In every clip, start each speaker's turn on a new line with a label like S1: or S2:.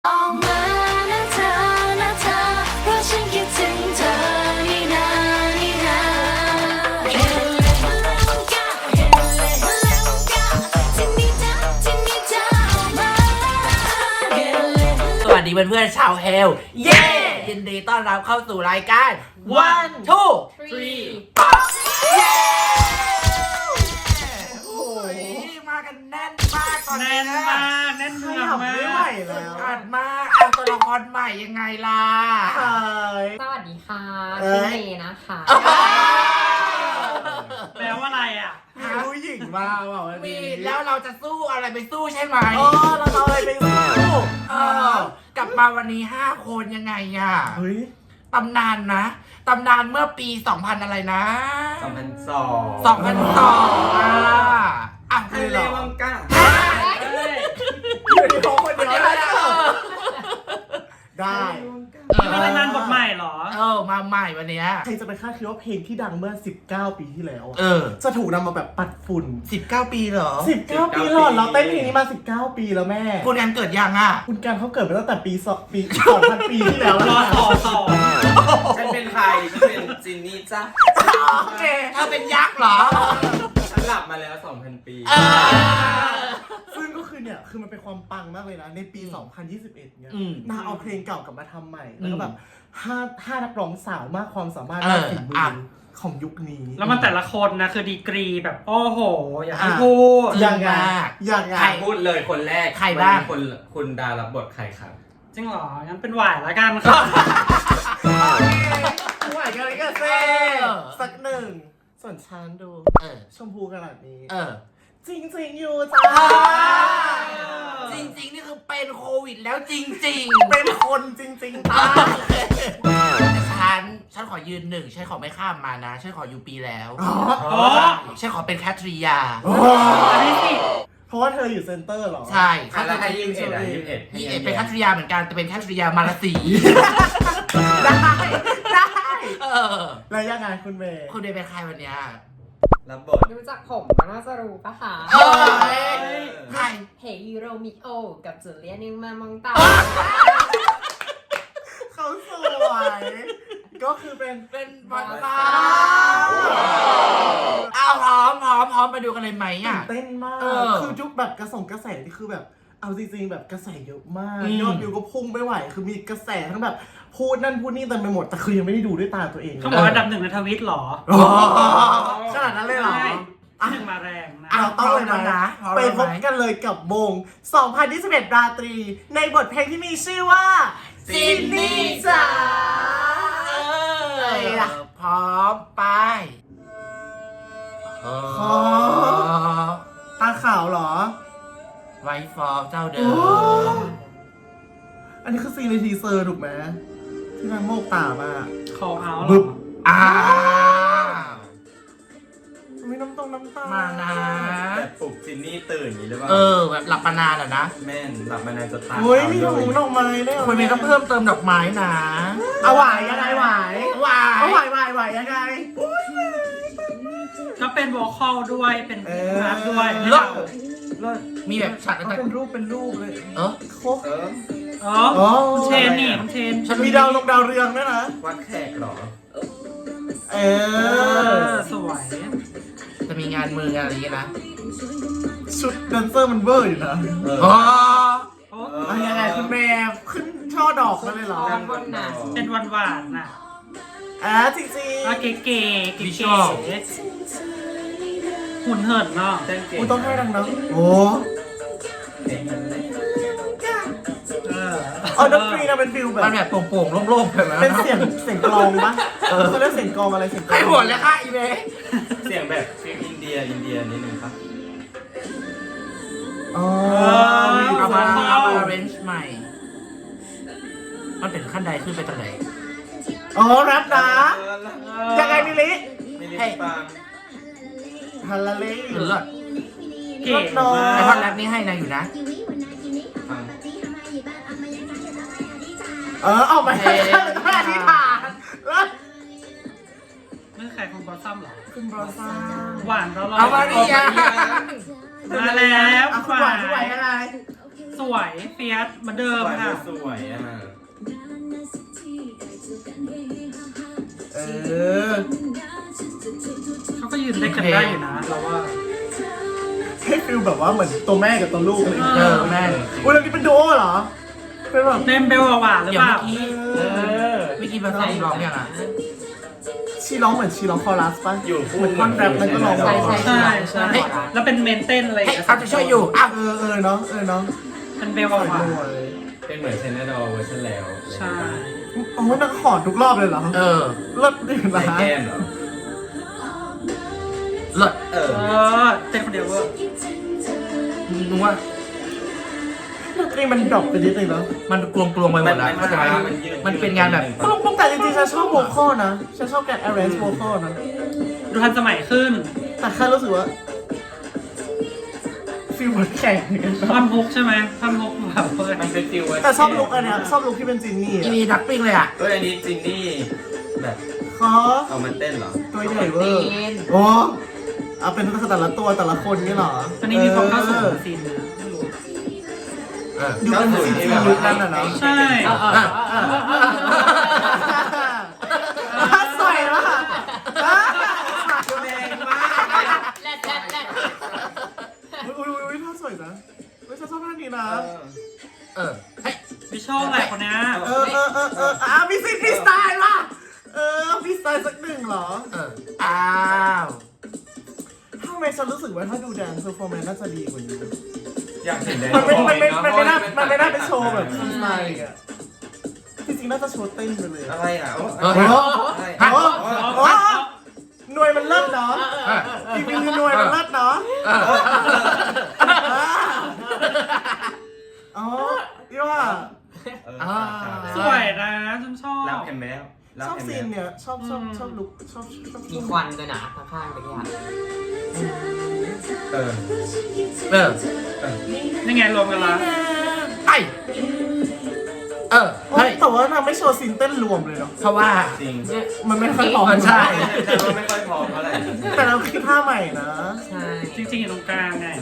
S1: ออกมานะเธอนะเธอเพราะฉันคิดถึงเธอนี่นานี่นาเฮเลเฮเลกาเฮเลเฮเลกาที่นี่จ้าที่นี่จ้าออกมาเฮเล
S2: สวัสดีเพื่อนๆชาวเฮลเย้ยินดีต้อนรับเข้าสู่รายการ One Two Three เย้โอ้ยมากันแน่นมากตอนนี้
S3: แน่นมากแน่นเนืองมาก
S4: ไม่ไหวแล้ว
S2: อัดมากเอาตัวละครใหม่ยังไงล่ะ
S5: สวัสดีค่ะ
S4: เอ้ย
S5: ชื่อเมย์นะคะ
S3: แปลว่าอะไรอ่ะ
S4: มีผู้หญิงมาบอกว่า
S2: มีแล้วเราจะสู้อะไรไปสู้ใช่ไหม
S4: อ๋อเราเอาอะไรไปสู้
S2: กลับมาวันนี้ 5 คนยังไงอ่ะ
S4: เฮ้ย
S2: ตำนานนะตำนานเมื่อปี 2000 อะไรนะ
S6: 2002
S2: 2002อ่ะ
S6: ทะเลวังกา
S4: อยู่ในห้องคนเดียวได้ได้
S3: นี่เป็นรายงานบทใหม่เหรอ
S2: มาใหม่วันเนี้ย
S4: ใครจะไปคาดคิดว่าเพลงที่ดังเมื่อ 19 ปีที่แล้ว
S2: เออ
S4: จะถูกนำมาแบบปัดฝุ่น
S2: 19 ปีเหรอ
S4: 19 ปีหลอดเราเต้นเพลงนี้มา 19 ปีแล้วแม่
S2: คุณงานเกิดยังอ่ะ
S4: คุณการเขาเกิดมาตั้งแต่ปี2,000 ปีที่แล้ว
S3: ร
S4: แล้ว
S3: อ
S4: นะ
S3: ต่อ
S6: ฉันเป็นใคร ฉันเป็นจินนี่จ้ะ
S2: โอเคเธอเป็นยักษ์เหรอ
S6: ฉันหลับมาแล้ว 2,000 ปี
S4: ซึ่งก็คือเนี่ยคือมันเป็นความปังมากเลยนะในปี 2021เนี่ย
S2: อืม
S4: นางเอาเพลงเก่ากลับมาทำใหม่แล้วก็แบบห้านักร้องสาวมากความสามารถ
S2: เออ
S4: มากฝีมื
S2: อ่ะ
S4: อของยุคนี้
S3: แล้วมันแต่ละคนนะคือดีกรีแบบโอ้โห อย่าให้พูด
S4: ยังไงยังไง
S2: ใคร
S6: พูดเลยคนแรก
S2: ใครบ้าง
S6: วันนี้คุณดารับบทใครครับ
S3: จริงเหรอ งั้นเป็นหวายละกันครับ
S4: ไหวกันเลยก็เซ่สักหนึ่งส่วนฉันดู
S2: เออ
S4: ชมพูขนาดนี้
S2: เออ
S4: จริงจริงๆอยู่จ้า
S2: จริงๆ นี่คือเป็นโควิดแล้วจริง
S4: เป็นคนจริงๆจ้า
S2: ๆฉันขอยืนหนึ่งฉันขอไม่ข้ามมานะฉันขออยู่ปีแล้ว
S3: อ๋อ
S2: ฉันขอเป็นแคทริยา
S3: อันนี้สิ
S4: เพราะว่าเธออยู่เซ็นเตอร์เหรอ
S2: ใช่
S6: อ่ะแล้วใคร21อ่ะ21
S2: นี่เป็นแคทริยาเหมือนกันแต่เป็นแคทริยามาลาสี
S4: ได้ได้
S2: เออ
S4: แล้วยังไงคุณเมย์
S2: คุณเดย์เป็นใครวันเนี้ย
S6: รับบท
S5: รู้จักผมก็น่าจะรู้ปะคะ
S2: เอ้ยใคร
S5: เฮยูโรมิโอ กับจูเลียนิวมามองตา
S4: เขาสวยก็คือเป็น
S2: เป็นบอลตาเอาพร้อมไปดูกันเลยไหม
S4: ตื่
S2: อ่ะ
S4: นเต้นมาก
S2: เออ
S4: คือยุคแบบกระแสนี่คือแบบเอาจริงๆแบบกระแสเยอะมาก
S2: อืม
S4: ยอดวิวก็พุ่งไม่ไหวคือมีกระแสทั้งแบบพูดนั่นพูดนี่เต็มไปหมดแต่คือยังไม่ได้ดูด้วยตาตัวเอง
S3: เขาบอกอันดับหนึ่งในทวิตเหรอ
S4: ขนาดนั้นเลยเหรอ
S3: ใช่หนึ่งมาแรงนะ
S4: เราต้องเลย
S2: พร้อมแล้ว
S4: นะ
S2: นะพร้อม
S4: ไป
S2: แล้ว
S4: พบ
S2: ไหม
S4: กันเลยกับวง 2021 ราตรี ในบทเพลงที่มีชื่อว่า
S2: จินนี่จ๋าพร้อมไป
S4: ตาขาวเหรอ
S2: ไวฟอร์เจ้าเดิ
S4: โอ้
S2: ม
S4: อันนี้คือซีนในทีเซอร์ถูกไหมที่นางโมกตามาก
S3: คอเอาเหร
S4: บึ๊
S3: อบ
S2: อ้าว
S4: มีน้ำตา
S2: มานะ
S6: แต่ปลุกจินนี่ตื่นอย่างนี้หรือเปล่า
S2: แบบหลับมานานอ่ะนะ
S6: แม่นหลับมานานจะตาย
S4: โอ้ยมีถุงดอกไม้ด้วยเหรอ
S2: คุณเมย์ต้องเพิ่มเติมดอกไม้นะ
S4: เอาหวายยังไงหวาย
S2: หวา
S4: เอาหวายหวายยังไง
S3: ก็เป็นวอลคอลด้วย เป็น
S4: เออ
S3: อาร์ตด้วย
S2: เลิศ
S4: เลิศ
S2: มีแบบฉาก
S4: เอา
S2: ต่าง
S4: เป็นรูปเลย
S2: ๆเออ
S4: โคก
S6: เออ
S3: อ๋อ
S4: อ๋อ
S3: คุณเชนนี่คุณเชน
S2: ฉัน
S4: มีดาวลงดาวเรืองด้วยนะ
S6: วัดแขกเหรอ
S4: เอ
S3: เอ
S4: อ
S3: อสวย
S2: จะมีงานมืองานอะไรอย่างเงี้ยนะ
S4: ชุดแดนเซอร์มันเวอร์อยู่นะ
S2: อ๋อ
S3: โอ้
S4: เอายังไงคุณแม่ขึ้นช่อดอกมาเลยเหรอ
S5: ด้านบนน่ะ
S3: เป็นหวานๆน่ะ
S4: จริง
S3: อ่ะเก๋ๆเก๋
S2: วิชวล
S3: ๆหุ่นเหินเนาะ
S6: เต้นเก่
S4: ๆ
S6: ง
S4: กูต้องให้ดังนะโอ้ เอาดนตรีนะเป็นฟิลแบบ
S2: มันแบบโป่งๆโล่งๆแบบนั้น
S4: เป็นเสียงกลองปะเขาเรียกเสียงกลองอะไรเสียงกลอง
S2: ให้หมดเลยค่ะอีเมย์
S6: เสียงแบบฟิลอินเดียนิดนึงครับ
S4: อ๋อ
S2: เอามา
S3: ว้าว
S2: เอามา arrange ใหม่ มันเป็นขั้นใดขึ้นไปตรงไหน
S4: อ๋อแรปนะยังไงมิลิ
S6: ไม่ได้ฟัง
S4: ฮัลโหล
S2: หรือ
S3: เก๋มา
S2: ไอคอนแร
S3: ก
S2: ปนี่ให้นางอยู่นะ
S6: ฟัง
S4: ออกมาให้ท่าที่ฐานแล้ว
S3: นี่ใครของบอสซัมเหรอ
S4: คุณบรอซ่า
S3: หวานตลอด
S2: เอามาดิยา
S3: มาแล้ว
S4: คุณหวานยังไง
S3: สสวยเฟียสเหมือนเดิมค่ะ
S6: สวยอ่ะ
S4: เออ
S3: เขาก็ยืนเล่นกันได้อยู่นะเราว่า
S4: ให้ฟิลแบบว่าเหมือนตัวแม่กับตัวลูกอะไรอย่าง
S2: เอ
S4: เงี้ย
S2: อแม่
S4: อุ้ยแล้วนี่เป็นโดเหรอเป็นแบบ
S3: เต็มเบลหวานหรือ
S2: เดี๋ยว
S3: เปล่า
S2: เมื่อกี้มาซ้อมร้องยังอ่ะ
S4: ชีร้องเหมือนชีร้องคอรัสป่ะ
S6: อยู่คู่
S4: เหมือนท่อนแรปแล้วก็ร้อง
S5: ใช่ใช่
S3: ใช่ใช่แล้วเป็นเมนเต้นอะไร
S2: เฮ้ยเขาจะช่วยอยู่อ้าว
S4: เออเนาะเนาะ
S3: เป็นเบลห
S4: สวยว
S3: าน
S4: เลย
S6: เป็นเหมือนเทนเนอร์ดอลเวอร์ชันแล้ว
S3: ใช่
S4: โอ้ยนักขอดทุกรอบเลยเหรอ
S2: เออ
S4: เลิศดี
S6: ใส่
S4: นะ
S6: แก้มเหรอ
S2: เลิศ
S6: เออ
S3: เต้นคนเดียวเวอร์
S2: นึกว่า
S4: ดนตรีมันดรอปไปนิดนึงเนาะ
S2: มันกลวงๆไปหมดแล้วเข้าใจไหมมันเป็นงานแบบ
S4: แต่จริงๆฉันชอบโวคอลนะฉันชอบการ arrange โวคอลนะ
S3: ดูทันสมัยขึ้น
S4: แต่แค่รู้สึกว่าฟิลเหมือนแข่งกัน
S3: ท่อนฮุกใช่ไหมท่อนฮุกแบบเปิด
S6: มันเป็นฟิล
S4: แต่ชอบลุคอันเนี้ยชอบลุคที่เป็นจินนี่
S2: อีมีดักปิ้งเลยอ่ะ
S6: อันนี้จินนี่แบบ
S4: ขอ
S6: เอามาเต้นเหรอ
S4: ตัวใหญ่เวอร์โอ้เอาเป็นแต่ละตัวแต่ละคนนี่เหรอ
S3: อันนี้มีความเข้าสู่ซีนนะไม่รู้
S4: อยู่เป็นซีจียุคนั้นอ่ะเนาะ
S3: ใช่
S4: สวยมาก
S6: แรงมาก
S5: แรด
S4: อุ้ยท่าสวยนะไม่ชอบท่านี้นะ
S2: เออเฮ้ย
S3: วิชอลแหละคนนี้
S4: มีสิทธิ์มีสไตล์ว่ะมีสไตล์สักหนึ่งเหรอ
S2: อ้าว
S4: ทำไมฉันรู้สึกว่าถ้าดูแดนซ์เพอร์ฟอร์แมนซ์น่าจะดีกว่านี้
S6: อยากเห็นแดน
S4: มันไม่น่าเป็นโชว์แบบฟรีสไตล์อ่ะจริงๆน่าจะโชว์เต้นไปเลย
S6: อะไรอ่ะ
S2: เออ
S4: หน่วยมันเลิศเนาะจริงๆคือหน่วยมันเลิศเนาะอ๋อที่ว่า
S3: สวยนะฉันชอบ
S6: รับเห็นไหมแล้ว
S4: ชอบซีนเนี่ยชอบลุคชอบ
S5: มีควันด้วยนะข้างๆตะกี้
S6: เออ
S2: เออ
S3: นี่ไงรวมกันละ
S2: ไอเออเฮ้ย
S4: แต่ว่านางไม่โชว์ซีนเต้นรวมเลยเนาะ
S2: เพราะว่า
S6: จริง
S4: มันไม่ค่อยพอ
S2: ใช่
S6: แต่ว่าไม่ค่อยพร้อมเท่าไหร่
S4: แต่เราคิดท่าใหม่นะ
S5: ใช่
S3: จริงๆอยู่ตรงกลางไง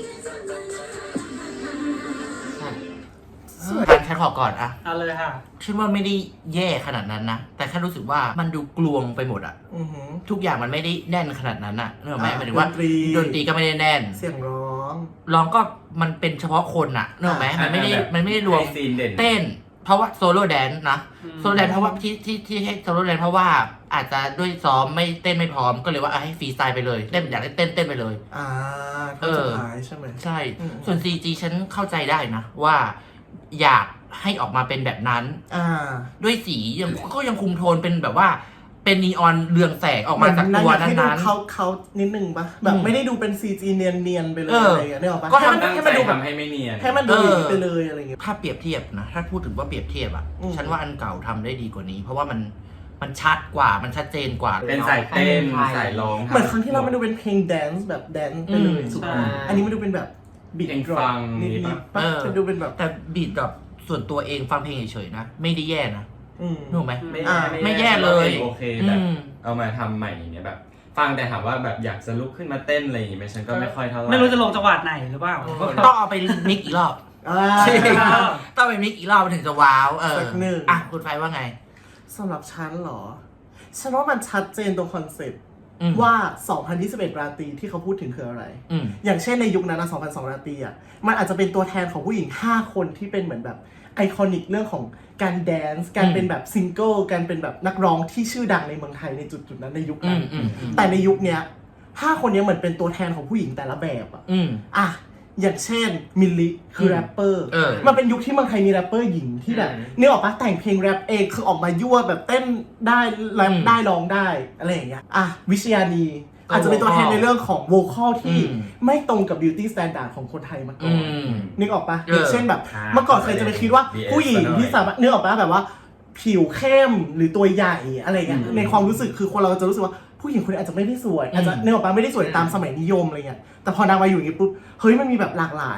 S2: การแค่ขอก่อนอะ
S3: เอาเลยค่ะ
S2: ฉันว่าไม่ได้แย่ขนาดนั้นนะ แต่แค่รู้สึกว่ามันดูกลวงไปหมดอะ
S4: อือหือ
S2: ทุกอย่างมันไม่ได้แน่นขนาดนั้นอะนึกออกไหม
S4: อ่า
S2: หมายถึงว่า
S4: ดนตรี
S2: ดนตรีก็ไม่ได้แน่น
S4: เสียงร้อง
S2: ร้องก็มันเป็นเฉพาะคนอะนึกออกไหมมันไม่ได้รวม
S6: ซีนเด่น
S2: เต้น เพราะว่าโซโล่แดนซ์นะ
S3: อืม
S2: โซโล่แดนซ์เพราะว่าที่ให้โซโล่แดนซ์เพราะว่าอาจจะด้วยซ้อมไม่เต้นไม่พร้อมก็เลยว่าให้ฟรีสไตล์ไปเลยเต้นอยากให้เต้นไปเลย
S4: ท่อนสุดท้ายใช่ไหม
S2: ใช่
S4: อืม
S2: ส่วน CG ฉันเข้าใจได้นะว่าอยากให้ออกมาเป็นแบบนั้น ด้วยสียังคุมโทนเป็นแบบว่าเป็นนีออนเรืองแสงออกมาจากตัวนั้น
S4: เขานิดนึงปะแบบไม่ได้ดูเป็น CG เนียนๆไปเลย
S2: เอออ
S4: อะไรอย่างเงี้ยนึกออกปะ
S2: ก็
S6: ๆ
S2: ทำ
S6: ตั้ง
S4: ให้
S6: ใจ
S4: มันดูแบบ
S6: ทำให้ไม่เนียน
S4: ให้มันดูอย่างนี้ไปเลยอะไรอย่างเงี้ย
S2: ถ้าเปรียบเทียบนะถ้าพูดถึงว่าเปรียบเทียบอ่ะ
S4: อืม
S2: ฉันว่าอันเก่าทำได้ดีกว่านี้ เพราะว่ามันชัดกว่ามันชัดเจนกว่า
S6: เป็นสายเต้นสายร้อง
S4: เหมือนครั้งที่เรามันดูเป็นเพลงแดนซ์แบบแดนซ์ไปเลย
S2: อืม
S4: ถูกปะอันนี้มันดูเป็นแบบบีท
S6: เพลง
S4: ดรอ
S6: ฟั
S4: ป
S6: ง
S4: นิ
S6: นี่
S4: ด
S6: ปะ
S4: ๆปะจะดูเป็นแบบ
S2: แต่บีทกับส่วนตัวเองฟังเพลงเฉยๆนะ ไม่ได้แย่นะ
S4: อืม
S2: รู้ไหม
S6: ไม่
S2: แย่เลย
S6: โอเคแบบเอามาทำใหม่อย่างเงี้ยแบบ ฟังแต่ถามว่าแบบอยากจะลุกขึ้นมาเต้นอะไรอย่างงี้ไหมฉันก็ไม่ค่อยเท่าไหร่
S3: ไม่รู้จะลงจังหวัดไหนหรือเปล่า
S2: ต้องเอาไปมิกอีกรอบ ต้องไปมิกอีกรอบมันถึงจะว้าว
S4: สักหนึ่ง
S2: อ่ะคุณไฟว่าไง
S4: สำหรับฉันเหรอ ฉันว่ามันชัดเจนตรงคอนเซ็ปต์
S2: อืม
S4: ว่า 2021 ราตรีที่เขาพูดถึงคืออะไร
S2: อืม
S4: อย่างเช่นในยุคนั้นนะ2002 ราตรีอ่ะ มันอาจจะเป็นตัวแทนของผู้หญิง 5 คนที่เป็นเหมือนแบบไอคอนิกเรื่องของการแดนซ์ การเป็นแบบซิงเกิล การเป็นแบบนักร้องที่ชื่อดังในเมืองไทยในจุดๆนั้นในยุคนั้น แต่ในยุคเนี้ย 5 คนเนี้ยเหมือนเป็นตัวแทนของผู้หญิงแต่ละแบบอ่ะ อ่ะ อย่างเช่นมิลลิคือแรปเปอร์ มันเป็นยุคที่เมืองไทยมีแรปเปอร์หญิงที่แบบนึกออกปะแต่งเพลงแรปเองคือออกมายั่วแบบเต้นได้แรปได้ร้องได้อะไรอย่างเงี้ย อ่ะวิชญานีอาจจะเป็นตัวแทนในเรื่องของโวคอลที่ไม่ตรงกับบิวตี้สแตนดาร์ดของคนไทยมาก่อนนึกออกปะอย่างเช่นแบบเมื่อก่อนเคยจะไปคิดว่าผู้หญิงที่สามารถนึกออกปะแบบว่าผิวเข้มหรือตัวใหญ่อะไรเงี้ยในความรู้สึกคือคนเราจะรู้สึกว่าผู้หญิงคนนี้อาจจะไม่ได้สวยอาจจะนึกออกปะไม่ได้สวยตามสมัยนิยมอะไรเงี้ยแต่พอนางมาอยู่อย่างงี้ปุ๊บเฮ้ยมันมีแบบหลากหลาย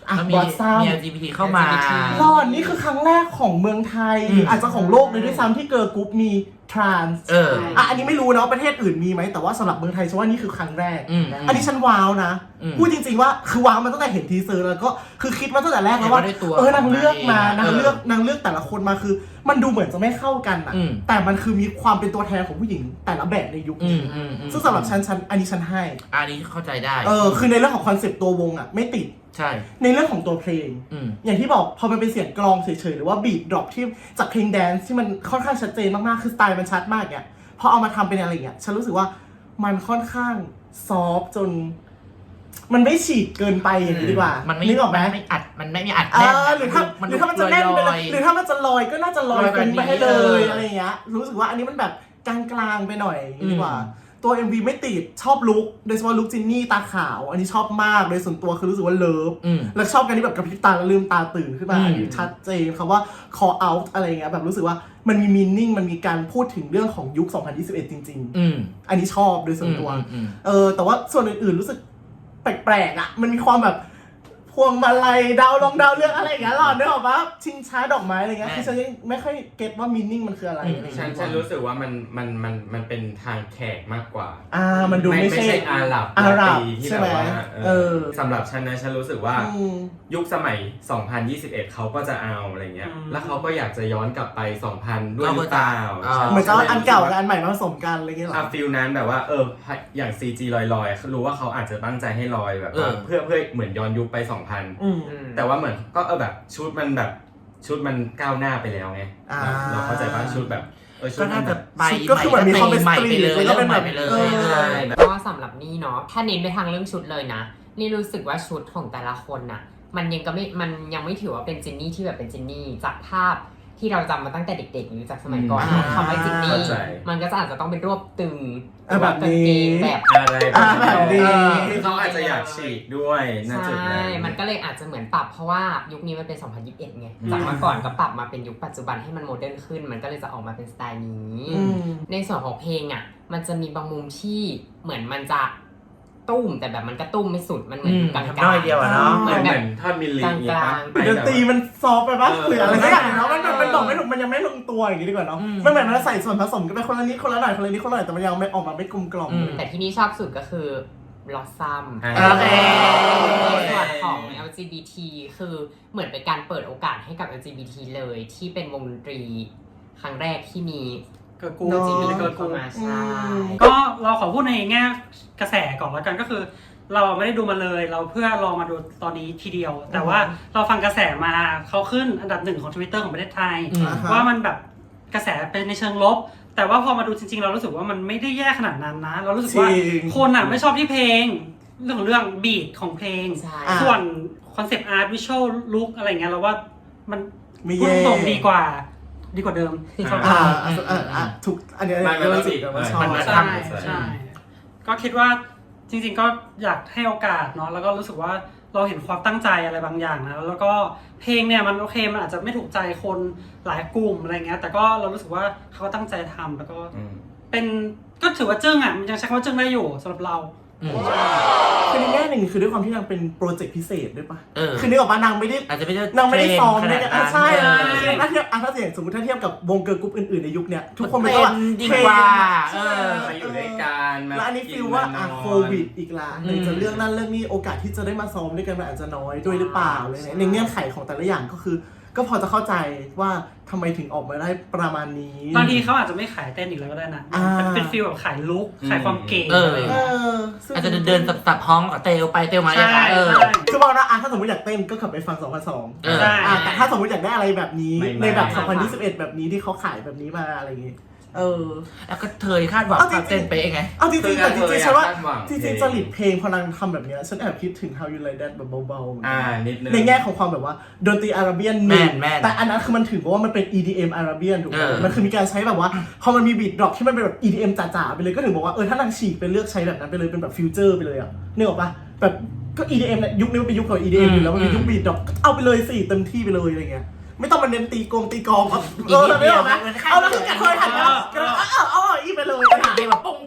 S4: อ่ะ
S2: แล้ว
S4: บอสซัม
S2: มี LGBT เข้ามา
S4: หลอนนี่คือครั้งแรกของเมืองไทยหรืออาจจะของโลกเลยด้วยซ้ำที่เกิร์ลกรุ๊ปมีทรานส์อันนี้ไม่รู้นะว่าประเทศอื่นมีไหมแต่ว่าสำหรับเมืองไทยฉันว่านี่คือครั้งแรก อันนี้ฉันว้าวนะพูดจริงๆว่าคือว้าวมันตั้งแต่เห็นทีเซอร์แล้วก็คือคิดมาตั้งแต่แรกแล้วว่านางเลือกมานางเลือกแต่ละคนมาคือ มันดูเหมือนจะไม่เข้ากันอะแต่มันคือมีความเป็นตัวแทนของผู้หญิงแต่ละแบบในยุคนี้ซึ่งสำหรับฉันอันนี้ฉันให้
S2: อันนี้เข้าใจได้
S4: คือในเรื่องของคอนเซปต์ตัววงอะไม่ติด
S2: ใช่
S4: ในเรื่องของตัวเพลงอย่างที่บอกพอมันเป็นเสียงกลองเฉยๆหรือว่าบีทดรอปที่จากเพลงแดนซ์ที่มันค่อนข้างชัดเจนมากๆคือสไตล์มันชัดมากเนี่ยพอเอามาทำเป็นอะไรอย่างเงี้ยฉันรู้สึกว่ามันค่อนข้างซอฟจนมันไม่ฉีกเกินไปอย่างนี้ดีกว่า
S2: มัน
S4: นึกออกไหม
S2: ไม่อัดมันไม่มีอัด
S4: หรือถ้ามันจะแน่นไปเลยหรือถ้ามันจะลอยก็น่าจะลอยเป็นไปให้เลยอะไรอย่างเงี้ยรู้สึกว่าอันนี้มันแบบกลางๆไปหน่อยดีกว่าตัว MV ไม่ติดชอบลุคโดยเฉพาะลุคจินนี่ตาขาวอันนี้ชอบมากโดยส่วนตัวคือรู้สึกว่าเลิฟแล้วชอบกันที่แบบกระพริบตาแล้วลืมตาตื่นขึ้นมาอันนี้ชัดเจนคำว่า call out อะไรเงี้ยแบบรู้สึกว่ามันมี meaning มันมีการพูดถึงเรื่องของยุค 2021 จริงๆอันนี้ชอบโดยส่วนตัวแต่ว่าส่วนอื่นๆรู้สึกแปลกๆอ่ะมันมีความแบบพวงมาลัยดาวลงดาวเรื่องอะไรอย่างเงี้ยหรอนึกออกปะชิงช้าดอกไม้อะไรเงี้ยคือฉันยังไม่ค่อยเก็ตว่ามีนิ่งมันคืออะไร
S6: ฉันรู้สึกว่ามันเป็นทางแขกมากกว่า
S4: มันดูไม่ใช่
S6: อาหรับ
S4: ใช่ไหม
S6: สำหรับฉันนะฉันรู้สึกว่ายุคสมัย 2021 เขาก็จะเอาอะไรเงี้ยแล้วเขาก็อยากจะย้อนกลับไป 2000 ด้วยหรือเปล่า
S4: เหมือนจะอันเก่ากับอันใหม่มาผสมกันอะไรเงี้ยหรอ
S6: ฟิลนั้นแบบว่าอย่าง CG ลอยๆรู้ว่าเขาอาจจะตั้งใจให้ลอยแบบเพื่อเหมือนย้อนยุคไป 2000แต่ว่าเหมือนก็แบบชุดมันก้าวหน้าไปแล้วไงเราเข้าใจป่ะชุดแบบ
S2: ก็น่าจะไป
S4: ก็คือเหมือนมีความเป็นสตรีทเลย
S2: ก็เป็นแบบไปเลย
S5: ก็สำหรับนี่เนาะถ้าเน้นไปทางเรื่องชุดเลยนะนี่รู้สึกว่าชุดของแต่ละคนน่ะมันยังไม่ถือว่าเป็นจินนี่ที่แบบเป็นจินนี่จากภาพที่เราจำมาตั้งแต่เด็กๆหรือจากสมัยก่อนคำว่าจินนี่มันก็จะอาจจะต้องเป็นรวบตึง
S4: แบบนี้
S5: แบบ
S6: อะไรแบบนี้เขาอาจจะอยากฉีกด้วยน่าจะใช่
S5: มันก็เลยอาจจะเหมือนปรับเพราะว่ายุคนี้มันเป็น 2021 ไงจากเมื่อก่อนก็ปรับมาเป็นยุคปัจจุบันให้มันโมเดิร์นขึ้นมันก็เลยจะออกมาเป็นสไตล์นี้ในส่วนของเพลงอ่ะมันจะมีบางมุมที่เหมือนมันจะตุ้มแต่แบบมันก็ตุ้มไม่สุดมันเหมือนกลางๆ
S2: น้อยเดียวเนาะ
S6: เหมือนท่อนมิลลิ
S5: กลาง
S4: ๆดนตรีมันซอฟไปปะหรืออะไรสักอย่างเนาะมันบอกไม่ถูกมันยังไม่ลงตัวอย่างนี้ดีกว่าเนาะมันเหมือนมันใส่ส่วนผสมกันไปคนละนิดคนละหน่อยคนละนิดคนละหน่อยแต่มันยังไม่ออกมาไม่กลมกล่อม
S5: แต่ที่นี่ชอบสุดก็คือ Blossom ส่วนของ LGBT คือเหมือนเป็นการเปิดโอกาสให้กับ LGBT เลยที่เป็นวงดนตรีครั้งแรกที่มี
S3: เกิร์ลกรุ๊ป
S5: เข้ามาใช่
S3: ก็เราขอพูดในแง่กระแสก่อนแล้วกันก็คือเราไม่ได้ดูมาเลยเราเพื่อรอมาดูตอนนี้ทีเดียวแต่ว่าเราฟังกระแสมาเขาขึ้นอันดับ1ของ Twitter ของประเทศไทยว่ามันแบบกระแสเป็นในเชิงลบแต่ว่าพอมาดูจริงๆเรารู้สึกว่ามันไม่ได้แย่ขนาดนั้นนะเรารู้สึกว่าคนอ่ะไม่ชอบที่เพลงเรื่องของเรื่องบีทของเพลงส่วนคอนเซปต์อาร์ตวิชวลลุคอะไรเงี้ยเราว่ามันพูดตรงดีกว่าเดิม
S4: ถูกอันนี้
S6: เราสิ
S3: ใช่ก็คิดว่าจริงๆก็อยากให้โอกาสเนาะแล้วก็รู้สึกว่าเราเห็นความตั้งใจอะไรบางอย่างนะแล้วก็เพลงเนี่ยมันโอเคมันอาจจะไม่ถูกใจคนหลายกลุ่มอะไรเงี้ยแต่ก็เรารู้สึกว่าเขาตั้งใจทำแล้วก็เป็นก็ถือว่าจึ้งอ่ะมันยังใช้คำว่าจึ้งได้อยู่สำหรับเรา
S4: คือในแง่หนึ่งคือด้วยความที่นางเป็นโปรเจกต์พิเศษด้วยปะคือนึกออกปะนางไม่ได้นางไม่ได้ซ้อมด้วยกันใช่ถ้าเทียบถ้าสมมติถ้าเทียบกับวงเกิร์ลกรุ๊ปอื่นๆในยุคเนี้ยทุกคนเป็นว่า
S2: ดีกว่า
S6: มาอยู่ด้วยกัน
S4: แล้วอันนี้ฟีลว่าโควิดอีกละจะเรื่องนั้นเรื่องนี้โอกาสที่จะได้มาซ้อมด้วยกันมันอาจจะน้อยด้วยหรือเปล่าเลยในเงื่อนไขของแต่ละอย่างก็พอจะเข้าใจว่าทำไมถึงออกมาได้ประมาณนี้
S3: บางทีเขาอาจจะไม่ขายเต้นอีกแล้วก็ได้นะเป็นฟีลแบบขายลุคขายความเก๋
S2: อาจจะเดินสับห้องเตลไปเตลมาอย่างเงี้ย
S4: คือบอกนะถ้าสมมติอยากเต้นก็ขับไปฟัง2002แต่ถ้าสมมติอยากได้อะไรแบบนี้ในแบบ2021แบบนี้ที่เขาขายแบบนี้มาอะไรอย่างงี้
S2: แล้วก็เธอคาดหวังเต้นไปไง
S4: เอาจริงๆแต่จริงๆฉันว่าจริงๆจริตเพลงพอนังทำแบบนี้ฉันแอบคิดถึง How You Like That แบบเบา
S6: ๆนิดนึง
S4: ในแง่ของความแบบว่าดนตรีอาราเบียนแต่อันนั้นคือมันถือว่ามันเป็น EDM อาราเบียนถูกไหมมันคือมีการใช้แบบว่าพอมันมีบีทดรอปที่มันเป็นแบบ EDM จ๋าๆไปเลยก็ถึงบอกว่าถ้านางฉีกเป็นเลือกใช้แบบนั้นไปเลยเป็นแบบฟิวเจอร์ไปเลยอ่ะนึกออกปะแบบก็ EDM เนี่ยยุคนี้มันเป็นยุคของ EDM อยู่แล้วมันเป็นยุคบีทดรอปเอาไปเลยสิเต็มที่ไปเลยอะไรเงี้ยไม่ต้องมาเน้นตีกองครับไม่เอานะเอาแล้วคือกระเทยหันมาเอาอีไปเลย
S2: เดี๋ยวแบบปง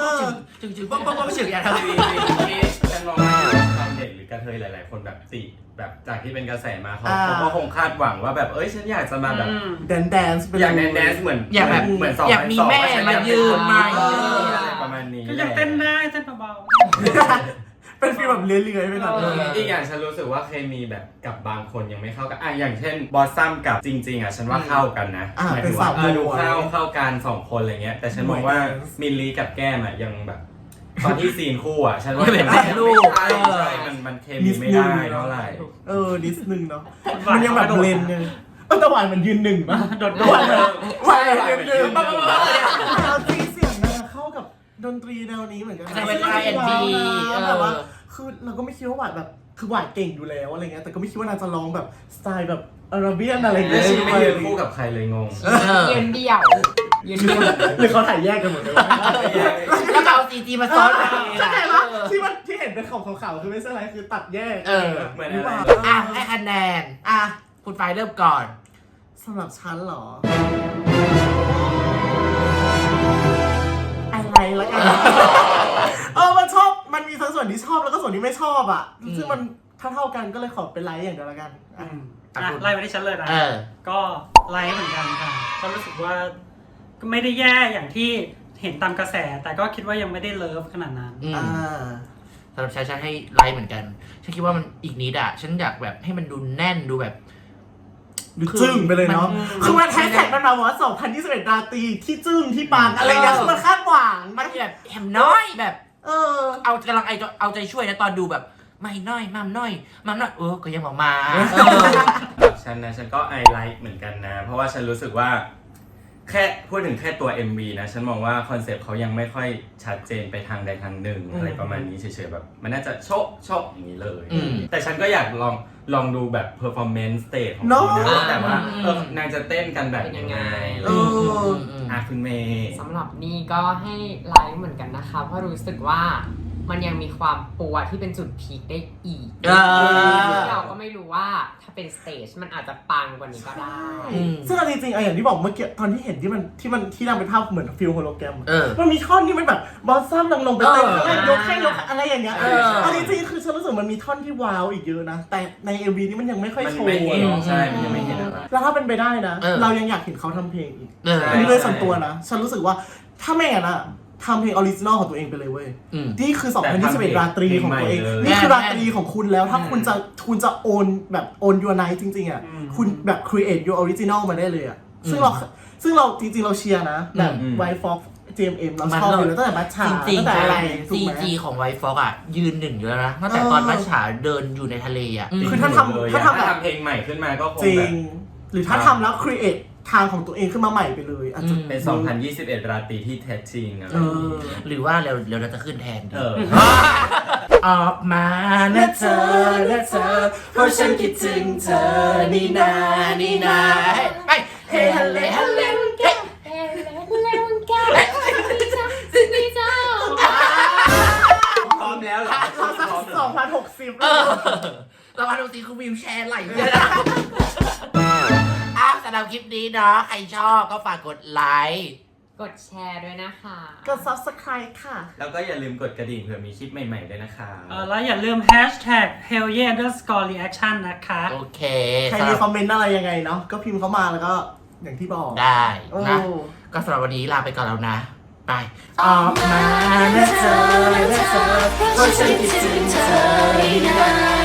S2: จึงปงอย่าง
S6: ฉันมองว่าชาวเน็ตหรือกระเทยหลายๆคนแบบแบบจากที่เป็นกระแสมาเขาก็คงคาดหวังว่าแบบฉันอยากจะมาแบบ
S4: แดนซ์ไปเลย
S6: อยากแดนซ์เหมือน
S2: อยากแบบ
S6: เหมือน
S2: อยากมีแม่มายืนมา
S6: ประมาณนี้
S3: ก็ยังเต้นได้เต้นเบา
S4: เป็นฟีลแบบเลื้อยๆไปหน่อย
S6: อีกอย่างฉันรู้สึกว่าเคมีแบบกับบางคนยังไม่เข้ากันอย่างเช่นบอสซัมกับจริงๆฉันว่าเข้ากันนะหมายถึงว่าดูเข้ากัน2 คนอะไรเงี้ยแต่ฉันมองว่ามิลลีกับแก้มยังแบบตอนที่ซีนคู่ฉันว่า
S2: ไม่เป็นแม่ลูก
S6: ใช่มันเคมีไม่ได้เท่าไหร่
S4: นิดนึงเนาะมันยังแบบเลนยังแต่หวานมันยืน1ป่ะ
S3: ๆโดด
S4: หวานยืน1
S6: ยืน
S4: แล้วที่เสียงมันเข้ากับดนตรีแนวนี้เหมือนกัน
S2: เป็น R&B
S4: แบบว่าคือเราก็ไม่คิดว่าหวานแบบคือหวานเก่งอยู่แล้วอะไรเงี้ยแต่ก็ไม่คิดว่านางจะร้องแบบสไตล์แบบอาราเบียนอะไร
S6: แล้
S4: เงี้
S6: วย ฉันไม่ยืนคู่กับใครเลยงง
S5: ยืนเดี่ยวยืนเดี่ยว
S4: หรือเขาถ่ายแยกกันหมดเลยวะ
S2: แล้วก็เอาซีจีมาซ้อนกัน
S4: เข้าใจปะที่เห็นเป็นขาวๆคือไม่ใช่อะไรคือตัดแยก
S6: เหมือนอะไร
S2: ให้คะแนนคุณไฟเริ่มก่อน
S4: สำหรับฉันเหรออะไรละกันมันชอบมันมีทั้งส่วนที่ชอบแล้วก็ส่วนที่ไม่ชอบอ่ะซึ่งมันเท่ากันก็เลยขอเป็นไลค์อย่างเดียวละกัน
S3: ไล่ไปที่ฉันเลยนะก็ไล่เหมือนกันค่ะก็รู้สึกว่าก็ไม่ได้แย่อย่างที่เห็นตามกระแส แต่ก็คิดว่ายังไม่ได้เลิฟขนาดนั้น
S2: สำหรับฉันให้ไลค์เหมือนกันฉันคิดว่ามันอีกนิดฉันอยากแบบให้มันดูแน่นดูแบบ
S4: จึ้งไปเลยเนาะคือมันแฮชแท็กมันมาว่า2021ราตรีที่จึ้งที่ปังอะไรอย่างมันคาดหวัง
S2: มันแบบแหมน้อยแบบเอากำลังเอาใจช่วยนะตอนดูแบบไม่น้อยมัมน้อยก็ยังออกมา
S6: ฉันก็ไอไลท์เหมือนกันนะ เพราะว่าฉันรู้สึกว่าแค่พูดถึงแค่ตัว MV นะฉันมองว่าคอนเซปต์เขายังไม่ค่อยชัดเจนไปทางใดทางหนึ่งอะไรประมาณนี้เฉยๆแบบมันน่าจะโชะอย่างนี้เลยแต่ฉันก็อยากลองดูแบบ performance stage ของเขานะแต่ว่านางจะเต้นกันแบบยังไงคุณเมย์
S5: สำหรับนี่ก็ให้ไลค์เหมือนกันนะคะเพราะรู้สึกว่ามันยังมีความปัวที่เป็นจุดพีคได้อีกเราก็ไม่รู้ว่าถ้าเป็นสเตจมันอาจจะปังกว่านี้ก็ได้
S4: ซึ่งจริงๆอย่างที่บอกเมื่อกี้ตอนที่เห็นที่นางเป็นภาพเหมือนฟิลโฮโลแกรมมันมีท่อนที่มันแบบบอสซัมลงไปเต้นยกอะไรอย่างเงี้ยจริงๆคือฉันรู้สึกมันมีท่อนที่ว้าวอีกเยอะนะแต่ใน MV นี้มันยังไม่ค่อยโชว์
S6: ใช่มันยังไม่เห็นอะไร
S4: แล้วถ้าเป็นไปได้นะเรายังอยากเห็นเขาทำเพลงอีกอันนี้เลยส่วนตัวนะฉันรู้สึกว่าถ้าไม่งั้นอะทำเพลงออริจินอลของตัวเองไปเลยเว้ยนี่คือ2021ราตรีของตัวเองนี่คือราตรีของคุณแล้วถ้าคุณจะโอนแบบโอนยูไนท์จริงๆอ่ะคุณแบบ create your original มาได้เลยอ่ะซึ่งเราจริงๆเราเชียร์นะแบบ White Fox JMM เราชอบอยู่แล้วตั้งแต่มัชชาตั้งแต่อะไร
S2: CG ของ White Fox ยืน1อยู่แล้วนะตั้งแต่ตอนมัชชาเดินอยู่ในทะเลอ่ะ
S4: คือถ้าทำแบบ
S6: เพลงใหม่ขึ้นมาก็คง
S4: จริ
S6: แบ
S4: ง
S6: บ
S4: หรือถ้าทำแล้ว create ทางของตัวเองขึ้นมาใหม่ไปเลยอาจจะ
S6: เป็น2021ราตรีที่แท้จริงนะ
S2: หรือว่าเราจะขึ้นแทนออกมานะเธอเพราะฉันคิดถึงเธอนี่นาเฮ้ฮัลเลฮัลเล
S6: พร้อมแล้วเหรอ
S4: 2060
S2: เรามาดูสิคือวิวแชร์ไหลเลยนะสำหรับคลิปนี้เนาะใครชอบก็ฝากกดไลค์
S5: กดแชร์ด้วยนะคะ
S4: กด subscribe ค่ะ
S6: แล้วก็อย่าลืมกดกระดิ่งเผื่อมีคลิปใหม่ๆด้วยนะคะ
S3: แล้วอย่าลืม #hellyeah_reaction นะคะ
S2: โอเค
S4: ใครมีคอมเมนต์อะไรยังไงเนาะก็พิมพ์เข้ามาแล้วก็อย่างที่บอก
S2: ได้นะก็สำหรับวันนี้ลาไปก่อนแล้วนะไปออกมานะเธอเพราะฉันคิดถึงเธอ